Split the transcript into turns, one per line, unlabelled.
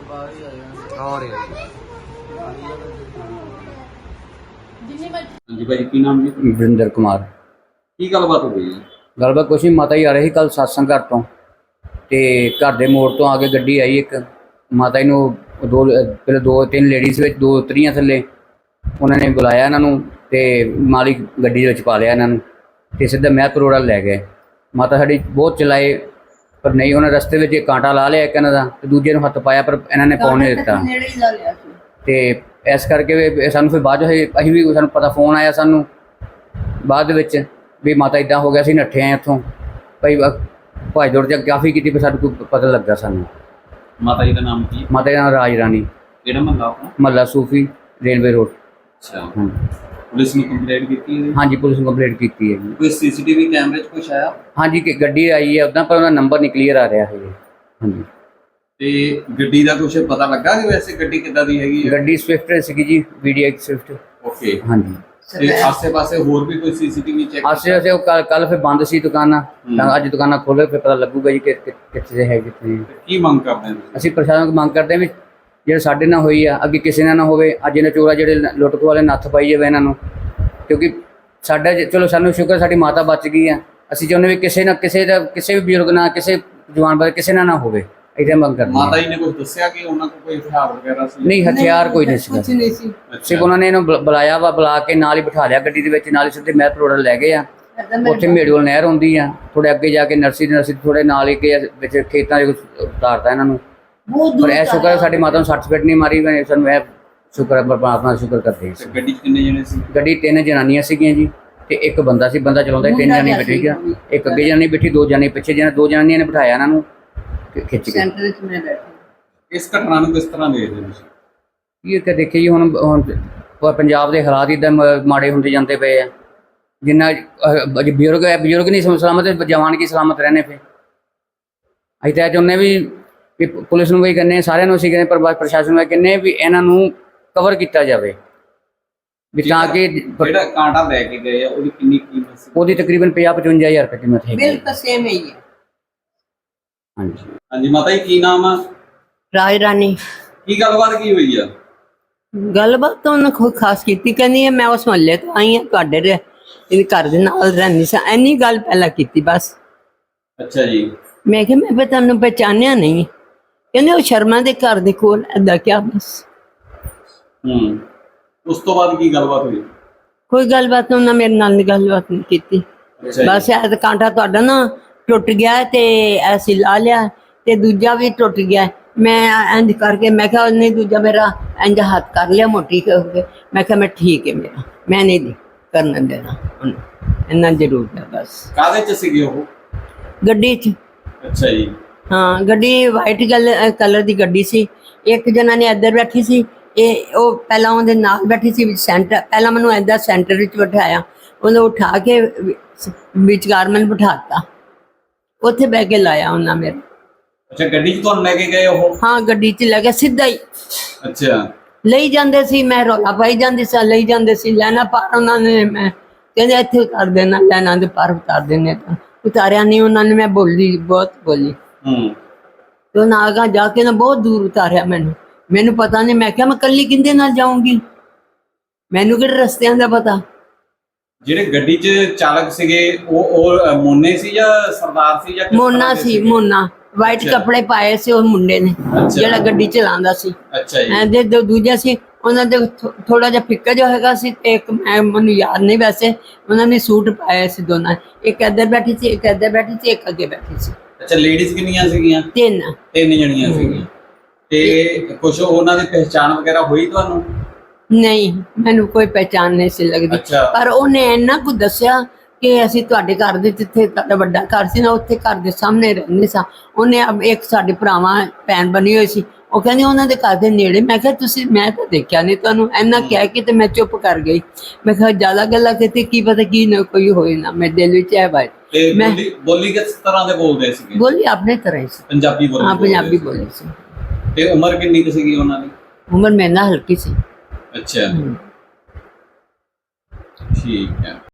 और
जी भाई की नाम जी
वरिंदर कुमार
की गलबात हो गई
गलबात कुछ नहीं। माता जी आ रही कल सत्संग घर तो घर के मोड़ तो आके गड्डी आई एक माता जी दो पहले दो तीन लेडीज़ दो उतरियां थले उन्होंने बुलाया इन्हों तो माली गड्डी पा लिया इन्हों तो सीधा महतपुर रोड लै गए। माता साड़ी बहुत चलाए पर नहीं उन्हें रस्ते में कांटा ला लिया एक इन्हों का दूजे हथ पाया पर इन्होंने पाउन नहीं दिता तो इस करके सानू फिर बाद अं भी सूँ पता फोन आया सूँ बाद भी माता इदा हो गया सी नट्ठे आए इतों भाई भाई दौड़ च काफ़ी की पर सानू पता लगा सूँ।
माता जी का नाम की
माता जी का नाम राज रानी महला सूफी रेलवे रोड।
अच्छा पुलिस ने कंप्लेंट की है?
हाँ जी पुलिस ने कंप्लेंट की है।
कोई सीसीटीवी कैमरे च कुछ आया?
हाँ जी गड्डी आई है उदा पर नंबर नहीं क्लीयर आ रहा है। हाँ जी
ਤੇ ਗੱਡੀ ਦਾ ਕੁਝ ਪਤਾ ਲੱਗਾ ਕਿ ਵੈਸੇ ਗੱਡੀ ਕਿੱਦਾਂ ਦੀ ਹੈਗੀ ਹੈ?
ਗੱਡੀ ਸਵਿਫਟ ਸੀਗੀ ਜੀ VDX ਸਵਿਫਟ।
ਓਕੇ
हाँ जी
ਤੇ ਆਸੇ-ਪਾਸੇ ਹੋਰ ਵੀ ਕੋਈ ਸੀਸੀਟੀਵੀ ਚੈੱਕ
आसे कल फिर बंद सी दुकाना अज दुकाना खोले फिर पता लगूगा जी कितने है कितने।
ਕੀ ਮੰਗ ਕਰਦੇ ਨੇ
ਅਸੀਂ ਪ੍ਰਸ਼ਾਸਨ को ਮੰਗ ਕਰਦੇ ਹਾਂ ਵੀ ਜਿਹੜੇ ਸਾਡੇ ਨਾਲ ਹੋਈ ਆ ਅੱਗੇ ਕਿਸੇ ਨਾਲ ਨਾ ਹੋਵੇ। ਅੱਜ ਇਹਨਾਂ ਚੋਰਾ ਜਿਹੜੇ ਲੁੱਟ ਖੋਹ ਵਾਲੇ ਨੱਥ ਪਾਈ ਜਾਵੇ ਇਹਨਾਂ ਨੂੰ ਕਿਉਂਕਿ ਸਾਡਾ ਚਲੋ ਸਾਨੂੰ ਸ਼ੁਕਰ ਸਾਡੀ ਮਾਤਾ ਬਚ ਗਈ ਆ। ਅਸੀਂ ਚਾਹੁੰਦੇ ਵੀ ਕਿਸੇ ਨਾ ਕਿਸੇ ਦਾ ਕਿਸੇ ਵੀ ਬਜ਼ੁਰਗ ਨਾਲ ਕਿਸੇ ਜਵਾਨ ਬਾਰੇ ਕਿਸੇ ਨਾਲ ਨਾ ਹੋਵੇ। इतने मंग करते
माता जी ने कुछ दसिया कि उन्होंने को कोई हथियार वगैरह सी?
नहीं हथियार कोई नहीं
कुछ नहीं सी।
सिर्फ उन्होंने बुलाया वा बुला के नाल ही बिठा लिया गड्डी दे विच नाल ही सीधे महतपुर रोड लै गए आ। उत्थे मेड़ोल नहर हुंदी आ थोड़े अगे जाके नर्सरी थोड़े नाल ही के विच खेतां दे उतारता इन्हां नूं। पर ऐ शुक्र है साडी माता नूं सट फिट नहीं मारी सानूं ऐ शुक्र है परमात्मा दा शुक्र करदे हां।
गड्डी कितने जने सी?
गड्डी 3 जनानियां सीगियां जी ते एक बंदा सी बंदा चलाउंदा 3 जनानी बैठी गया एक अगे जनानी बैठी 2 जनानी पिछे जनानी 2 जनानियां ने बिठाया इन्हां नूं खिच के।
इस घटना को किस तरह देखते हो?
ये कि देखिए जी हुण पंजाब के हालात इदा माड़े होंदे जाते पे आ जिन्ना बजुर्ग है बजुर्ग नहीं सलामत जवान की सलामत रहने पे अं तो चाहते भी पुलिस में भी कहने सारे असी कहने पर प्रशासन में कहने भी इन्हों कवर किया जाए भी ताकि
कांटा लैके गए
वो तकरीबन 50-55 हज़ार रुपये कीमत है।
बिल तो सेम ही है।
हाँ जी
हाँ जी माता जी की नाम है?
राज रानी
की गलबात की हुई है?
गलबात तो उन्हें कोई खास की कहनी है मैं उस महल्ले तो आई हाँ तुहाडे घर दे नाल रहंदी सी इन्नी गल पहला की बस।
अच्छा जी
मैं कि मैं भी तुहानूं पहचानिया नहीं कहंदे वो शर्मा दे घर दे कोल ऐदा क्या बस।
उस तो बाद की गलबात हुई?
कोई गलबात उन्हें मेरे नाल गलबात नहीं की बस ऐ कांटा तुहाडा ना टुट गया ते ऐसी ला लिया ते दूजा भी टुट गया मैं इंज करके मैं क्या नहीं दूजा मेरा इंज हाथ कर लिया मोटी करके मैं क्या मैं ठीक है मेरा मैं नहीं करने देना इन्ना जरूर है बस।
कादे च सीगे वो?
गड्डी च।
अच्छा जी
हाँ गड्डी वाइट कलर की गड्डी सी एक जना ने इधर बैठी सी वो पहला उहदे नाल बैठी सी सेंटर पहला मैनू इधर सेंटर विच बिठाया उन्हें उठा के विचकार मैंने बिठाता उत्थे बह के लाया उन्हें मेरे।
अच्छा गड्डी च तुहानूं लेके गए वो?
हाँ गड्डी च लगे सीधा ही
अच्छा
लई जांदे सी मैं रौला पाई जांदी सी लई जांदे सी लैना पार उन्होंने मैं कहंदे इत्थे उतार देना लैना दे पार उतार देने तो उतारिया नहीं उन्होंने मैं बोली बहुत बोली तो ना आगा जाके ना बहुत दूर उतारिया मैनू पता नहीं मैं क्या मैं कल्ली किंदे नाल जाऊंगी मैनू किहड़े रस्तियां दा पता।
ਜਿਹੜੇ ਗੱਡੀ 'ਚ ਚਾਲਕ ਸੀਗੇ ਉਹ ਮੋਨੇ ਸੀ ਜਾਂ ਸਰਦਾਰ ਸੀ ਜਾਂ
मोना सी मोना वाइट कपड़े पाए से उस मुंडे ने ਜਿਹੜਾ ਗੱਡੀ ਚਲਾਉਂਦਾ ਸੀ।
ਅੱਛਾ ਜੀ
ਐਂਦੇ ਦੋ ਦੂਜਾ ਸੀ ਉਹਨਾਂ ਦੇ ਥੋੜਾ ਜਿਹਾ ਫਿੱਕਾ ਜਿਹਾ ਹੈਗਾ ਸੀ ਤੇ ਇੱਕ ਮੈਨੂੰ ਯਾਦ ਨਹੀਂ ਵੈਸੇ ਉਹਨਾਂ ਨੇ ਸੂਟ ਪਾਇਆ ਸੀ ਦੋਨਾਂ ਇੱਕ ਇੱਧਰ ਬੈਠੀ ਸੀ ਇੱਕ ਇੱਧਰ ਬੈਠੀ ਸੀ ਇੱਕ ਅੱਗੇ ਬੈਠੀ ਸੀ।
ਅੱਛਾ ਲੇਡੀਜ਼ ਕਿੰਨੀਆਂ ਸੀਗੀਆਂ?
ਤਿੰਨ
ਜਣੀਆਂ ਸੀਗੀਆਂ ਤੇ ਕੁਝ ਉਹਨਾਂ ਦੀ ਪਹਿਚਾਣ ਵਗੈਰਾ ਹੋਈ ਤੁਹਾਨੂੰ?
ਨਹੀਂ ਮੈਨੂੰ ਕੋਈ ਪਹਿਚਾਣ ਨਹੀਂ ਸੀ ਲੱਗਦੀ ਪਰ ਉਹਨੇ ਇੰਨਾ ਕੁ ਦੱਸਿਆ ਕਿ ਅਸੀਂ ਤੁਹਾਡੇ ਘਰ ਦੇ ਜਿੱਥੇ ਤੁਹਾਡਾ ਵੱਡਾ ਘਰ ਸੀ ਨਾ ਉੱਥੇ ਘਰ ਦੇ ਸਾਹਮਣੇ ਰਹਿੰਦੇ ਸਾਂ। ਉਹਨੇ ਇੱਕ ਸਾਡੇ ਭਰਾਵਾਂ ਭੈਣ ਬਣੀ ਹੋਈ ਸੀ ਉਹ ਕਹਿੰਦੀ ਉਹਨਾਂ ਦੇ ਘਰ ਦੇ ਨੇੜੇ ਮੈਂ ਕਿਹਾ ਤੁਸੀਂ ਮੈਂ ਤਾਂ ਦੇਖਿਆ ਨਹੀਂ ਤੁਹਾਨੂੰ ਇੰਨਾ ਕਹਿ ਕੇ ਤੇ ਮੈਂ ਚੁੱਪ ਕਰ ਗਈ ਮੈਂ ਕਿਹਾ ਜ਼ਿਆਦਾ ਗੱਲਾਂ ਕੀਤੀ ਕੀ ਪਤਾ ਕੀ ਨਾ ਕੋਈ ਹੋਏ ਨਾ ਮੇਰੇ ਦਿਲ ਵਿੱਚ ਹੈ ਬਾਈ।
ਮੈਂ ਬੋਲੀ ਕਿਸ ਤਰ੍ਹਾਂ ਦੇ ਬੋਲਦੇ ਸੀਗੇ?
ਬੋਲੀ ਆਪਣੇ ਤਰ੍ਹਾਂ ਹੀ ਸੀ
ਪੰਜਾਬੀ ਬੋਲੀ?
ਹਾਂ ਪੰਜਾਬੀ ਬੋਲੀ ਸੀ।
ਤੇ ਉਮਰ ਕਿੰਨੀ ਕੁ ਸੀਗੀ ਉਹਨਾਂ ਦੀ?
ਉਮਰ ਮੇਰੇ ਨਾਲ ਹਲਕੀ ਸੀ।
अच्छा ठीक है।